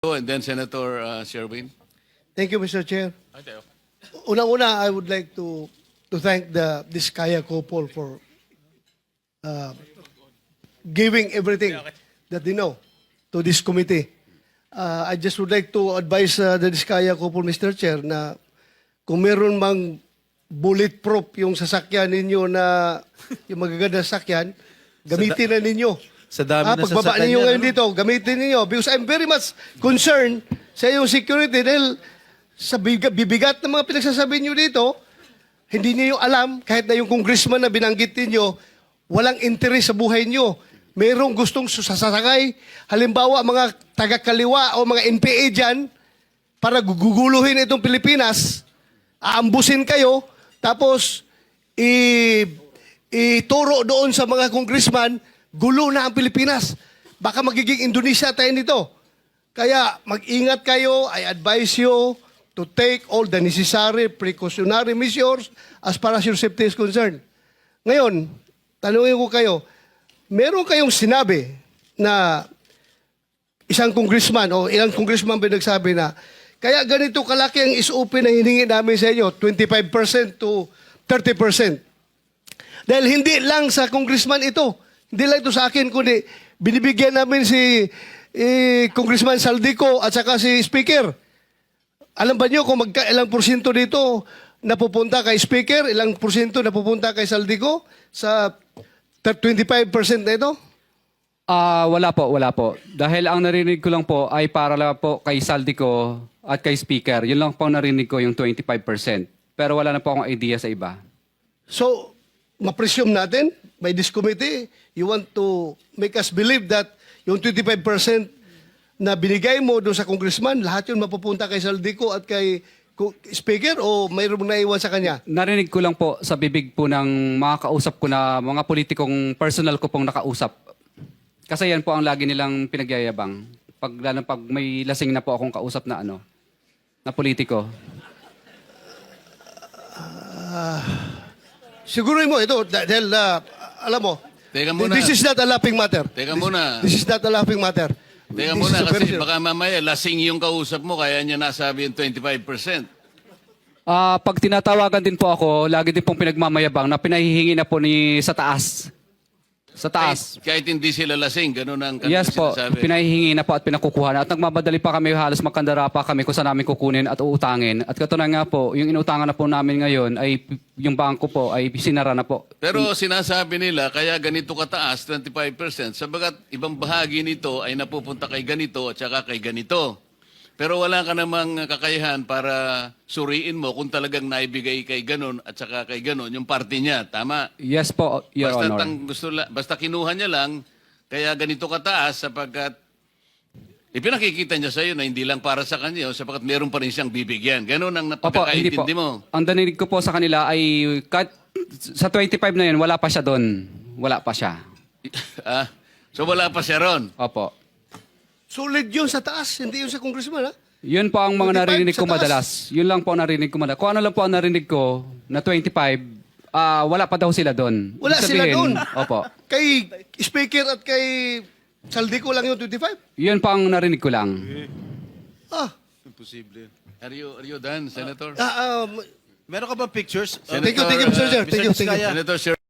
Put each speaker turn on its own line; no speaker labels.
And then Senator Sherwin.
Thank you, Mr. Chair. Unang-una, I would like to thank the Diskaya couple for giving everything that they know to this committee. I just would like to advise the Diskaya couple, Mr. Chair, na kung meron mang bulletproof yung sasakyan ninyo na yung magaganda sasakyan, gamitin na ninyo.
Sa dami na
pagbaba
sasakyan
ninyo
niya,
ngayon
no?
dito, gamitin ninyo. Because I'm very much concerned sa iyong security dahil sa bibigat ng mga pinagsasabi niyo dito, hindi niyo alam, kahit na yung congressman na binanggit niyo, walang interes sa buhay niyo. Mayroong gustong sasakay, halimbawa mga taga-kaliwa o mga NPA dyan, para guguluhin itong Pilipinas, aambusin kayo, tapos ituro doon sa mga congressman, gulo na ang Pilipinas. Baka magiging Indonesia tayo nito. Kaya mag-ingat kayo. I advise you to take all the necessary precautionary measures as far as your safety is concerned. Ngayon, tanungin ko kayo, meron kayong sinabi na isang congressman o ilang congressman ba nagsabi na kaya ganito kalaki ang SOP na hiningi namin sa inyo, 25% to 30%. Dahil hindi lang sa congressman ito, hindi lang ito sa akin, kundi binibigyan namin si Congressman Saldico at saka si Speaker. Alam ba niyo kung ilang porsyento dito napupunta kay Speaker, ilang porsyento napupunta kay Saldico sa 25% na ito?
Wala po. Dahil ang narinig ko lang po ay para lang po kay Saldico at kay Speaker. Yun lang po narinig ko yung 25%. Pero wala na po akong idea sa iba.
So, ma-presume natin by this committee, you want to make us believe that yung 25% na binigay mo doon sa congressman, lahat yun mapupunta kay Saldico at kay Speaker o mayroong naiwan sa kanya?
Narinig ko lang po sa bibig po ng mga kausap ko na mga politikong personal ko pong nakausap. Kasi yan po ang lagi nilang pinagyayabang. Lalo pag may lasing na po akong kausap na na politiko.
Siguro mo ito, dahil alam mo,
Teka muna.
this is not a laughing matter.
Teka muna.
This is not a laughing matter.
Teka
This
muna
is a very
kasi
serious-
baka mamaya lasing yung kausap mo kaya niya nasabi yung 25%.
Pag tinatawagan din po ako, lagi din pong pinagmamayabang na pinahihingi na po sa taas. Sa taas.
Kahit hindi sila lasing, ganun ang kanilang
Yes po,
sinasabi.
pinahihingi na po at pinakukuha na. At nagmamadali pa kami, halos magkandara pa kami kung saan namin kukunin at uutangin. At katunayan nga po, yung inuutangan na po namin ngayon ay yung bangko po ay sinara na po.
Pero sinasabi nila, kaya ganito kataas, 25%, sabagat ibang bahagi nito ay napupunta kay ganito at saka kay ganito. Pero wala ka namang kakayahan para suriin mo kung talagang naibigay kay ganon at saka kay ganon yung party niya. Tama?
Yes po, Your
Basta,
Honor.
basta kinuha niya lang, kaya ganito kataas sapagkat ipinakikita niya sa iyo na hindi lang para sa kanya, sapagkat meron pa rin siyang bibigyan. Ganon ang
Opo, hindi po.
napagkakaintindi mo.
Ang danilig ko po sa kanila ay sa 25 na yun, wala pa siya doon. Wala pa siya.
So wala pa siya ron.
Opo.
Solid yun sa taas, hindi yun sa congressman, ha?
Yun po ang
25
mga narinig
sa
ko
taas.
madalas. Yun lang po ang narinig ko madalas. Kung ano lang po ang narinig ko na 25, wala pa daw sila doon.
Wala
Ibig
sila
sabihin,
doon.
Opo.
Kay Speaker at kay Saldico lang yung 25?
Yun po ang narinig ko lang.
Imposible.
Are you done, Senator?
Meron ka ba pictures?
Thank you, Mr. Chair. Thank you.
Mr. Diskaya.
Senator Sher